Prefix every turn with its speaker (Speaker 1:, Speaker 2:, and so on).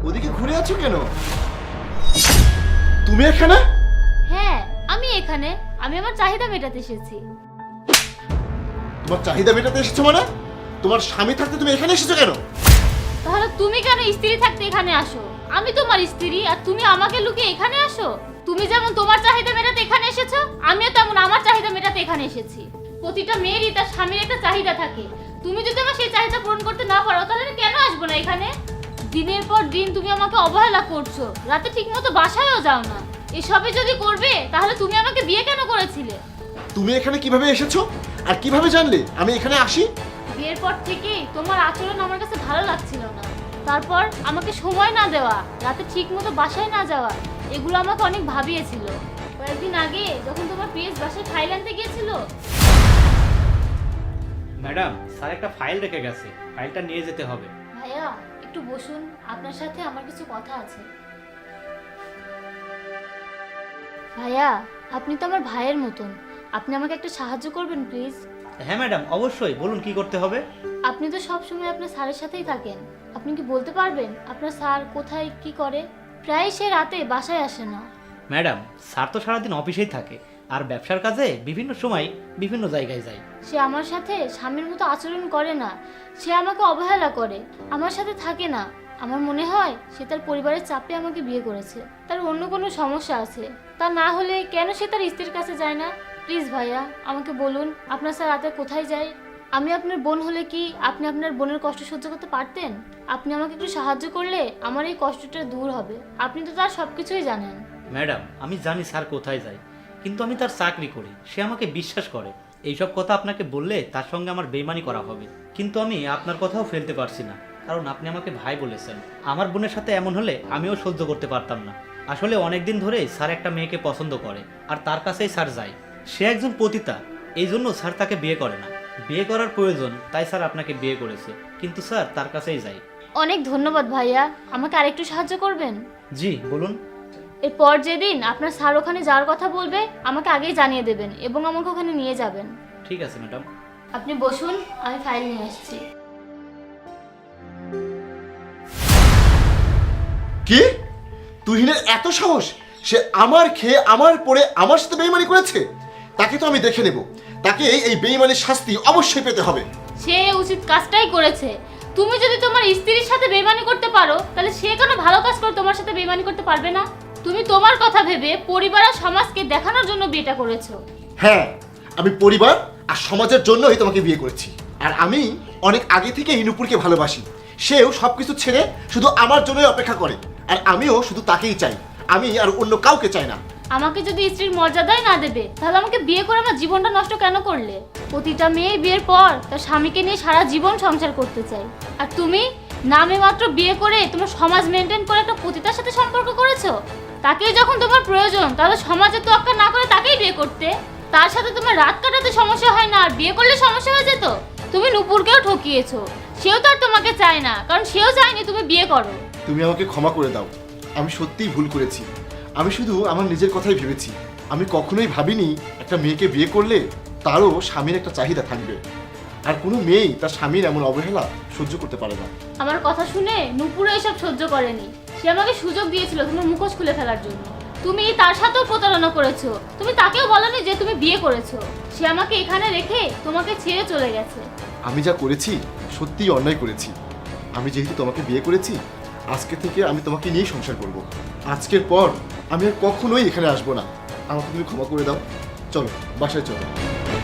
Speaker 1: ওদিকে ঘুরে আছো কেন? তুমি এখানে?
Speaker 2: হ্যাঁ, আমি এখানে। আমি আমার চাহিদা মেটাতে এসেছি।
Speaker 1: তোমার চাহিদা মেটাতে এসেছো মানে? তোমার স্বামী থাকতে তুমি এখানে এসেছো কেন?
Speaker 2: তাহলে তুমি কেন স্ত্রী থাকতে এখানে আসো? আমি তোমার স্ত্রী আর তুমি আমাকে লুকিয়ে এখানে আসো? তুমি যেমন তোমার চাহিদা মেটাতে এখানে এসেছো, আমিও তেমন আমার চাহিদা মেটাতে এখানে এসেছি। প্রতিটা মেয়েরই তার স্বামীর একটা চাহিদা থাকে। তুমি যদি আমার সেই চাহিদা পূরণ করতে না পারো তাহলে আমি কেন আসবো না এখানে? দিনের পর দিন তুমি আমাকে অবহেলা করছো, রাতে ঠিকমতো বাসায়ও যাও না। এসবই যদি করবে তাহলে তুমি আমাকে বিয়ে কেন করেছিলে?
Speaker 1: তুমি এখানে কিভাবে এসেছো আর কিভাবে জানলে আমি এখানে আসি?
Speaker 2: বিয়ের পর থেকেই তোমার আচরণ আমার কাছে ভালো লাগছিল না। তারপর আমাকে সময় না দেওয়া, রাতে ঠিকমতো বাসায় না যাওয়া, এগুলো আমাকে অনেক ভাবিয়েছিল। কয়েকদিন আগে যখন তোমার পিএস বাসায় ফাইল আনতে গিয়েছিল।
Speaker 3: ম্যাডাম, স্যার একটা ফাইল রেখে গেছে, ফাইলটা নিয়ে যেতে হবে।
Speaker 2: ভাইয়া একটু বসুন, আপনার সাথে আমার কিছু কথা আছে। ভাইয়া, আপনি তো আমার ভাইয়ের মতন, আপনি আমাকে একটা সাহায্য করবেন প্লিজ?
Speaker 3: হ্যাঁ ম্যাডাম, অবশ্যই বলুন কি করতে হবে।
Speaker 2: আপনি তো সব সময় আপনার স্যারের সাথেই থাকেন, আপনি কি বলতে পারবেন আপনার স্যার কোথায় কি করে? প্রায় সে রাতে বাসায় আসে না।
Speaker 3: ম্যাডাম, স্যার তো সারাদিন অফিসেই থাকে আর ব্যবসার কাজে বিভিন্ন সময় বিভিন্ন জায়গায় যায়।
Speaker 2: সে আমার সাথে স্বামীর মতো আচরণ করে না, সে আমাকে অবহেলা করে, আমার সাথে থাকে না। আমার মনে হয় সে তার পরিবারের চাপে আমাকে বিয়ে করেছে, তার অন্য কোনো সমস্যা আছে। তা না হলে কেন সে তার স্ত্রীর কাছে যায় না? প্লিজ ভাইয়া আমাকে বলুন আপনার স্যার রাতে কোথায় যায়? আমি আপনার বোন হলে কি আপনি আপনার বোনের কষ্ট সহ্য করতে পারতেন? আপনি আমাকে একটু সাহায্য করলে আমার এই কষ্টটা দূর হবে। আপনি তো তার সব কিছুই জানেন।
Speaker 3: ম্যাডাম, আমি জানি স্যার কোথায় যায়, কিন্তু আমি তার চাকরি করি, সে আমাকে বিশ্বাস করে। এইসব কথা আপনাকে বললে তার সঙ্গে আমার বেইমানি করা হবে, কিন্তু আমি আপনার কথাও ফেলতে পারছি না, কারণ আপনি আমাকে ভাই বলেছেন। আমার বোনের সাথে এমন হলে আমিও সহ্য করতে পারতাম না। আসলে অনেক দিন ধরে স্যার একটা মেয়েকে পছন্দ করে আর তার কাছেই স্যার যায়। সে একজন পতিতা, এই জন্য স্যার তাকে বিয়ে করে না। বিয়ে করার প্রয়োজন তাই স্যার আপনাকে বিয়ে করেছে, কিন্তু স্যার তার কাছেই যায়।
Speaker 2: অনেক ধন্যবাদ ভাইয়া, আমাকে আরেকটু সাহায্য করবেন?
Speaker 3: জি বলুন।
Speaker 2: এরপর যেদিন আপনার স্যার ওখানে যাওয়ার কথা বলবে আমাকে আগেই জানিয়ে দেবেন এবং আমাকে ওখানে নিয়ে যাবেন।
Speaker 3: ঠিক আছে ম্যাডাম।
Speaker 2: আপনি বসুন, আমি ফাইল নিয়ে আসছি।
Speaker 1: কি? তুহিনের এত সাহস! সে আমার খেয়ে আমার পরে আমার সাথে বেইমানি করেছে। তাকে তো আমি দেখে নেব। তাকে এই বেইমানির শাস্তি অবশ্যই পেতে হবে।
Speaker 2: সে উচিত কাজটাই করেছে। তুমি যদি তোমার স্ত্রীর সাথে বেইমানি করতে পারো তাহলে সে কেন ভালো কাজ করে তোমার সাথে বেইমানি করতে পারবে না? তুমি তোমার কথা ভেবে পরিবার আর সমাজকে দেখানোর জন্য বিয়েটা করেছো।
Speaker 1: হ্যাঁ, আমি পরিবার আর সমাজের জন্যই তোমাকে বিয়ে করেছি। আর আমি অনেক আগে থেকে নুপুরকে ভালোবাসি। সেও সবকিছু ছেড়ে শুধু আমার জন্যই অপেক্ষা করে, আর আমিও শুধু তাকেই চাই। আমি আর অন্য কাউকে চাই না।
Speaker 2: আমাকে যদি স্ত্রীর মর্যাদাই না দেবে তাহলে আমাকে বিয়ে করে আমার জীবনটা নষ্ট কেন করলে? প্রতিটা মেয়ে বিয়ের পর তার স্বামীকে নিয়ে সারা জীবন সংসার করতে চাই, আর তুমি নামে মাত্র বিয়ে করে তোমার সমাজ মেনটেন করে একটা পতিতার সাথে সম্পর্ক করেছো। তাকেই যখন তোমার প্রয়োজন তাহলে সমাজে তোয়াক্কা না করে তাকেই বিয়ে করতে। তার সাথে তোমার রাত কাটাতে সমস্যা হয় না, আর বিয়ে করলে সমস্যা হয়ে যেত। তুমি নুপুরকেও ঠকিয়েছো, সেও তো আর তোমাকে চায় না, কারণ সেও চায়নি তুমি বিয়ে করো।
Speaker 1: তুমি আমাকে ক্ষমা করে দাও, আমি সত্যিই ভুল করেছি। আমি শুধু আমার নিজের কথাই ভেবেছি। আমি কখনোই ভাবিনি একটা মেয়েকে বিয়ে করলে তারও স্বামীর একটা চাহিদা থাকবে। আর কোনো মেয়েই তার স্বামীর এমন অবহেলা সহ্য করতে পারে না।
Speaker 2: আমার কথা শুনে নুপুরও এসব সহ্য করেনি। সে আমাকে সুযোগ দিয়েছিল তোমার মুখোশ খুলে ফেলার জন্য। তুমি তার সাথেও প্রতারণা করেছো। তুমি তাকেও বলনি যে তুমি বিয়ে করেছো। সে আমাকে এখানে রেখে তোমাকে ছেড়ে চলে গেছে।
Speaker 1: আমি যা করেছি সত্যিই অন্যায় করেছি। আমি যেহেতু তোমাকে বিয়ে করেছি, আজকে থেকে আমি তোমাকে নিয়েই সংসার করব। আজকের পর আমি আর কখনোই এখানে আসবো না। আমাকে তুমি ক্ষমা করে দাও। চলো বাসায় চলো।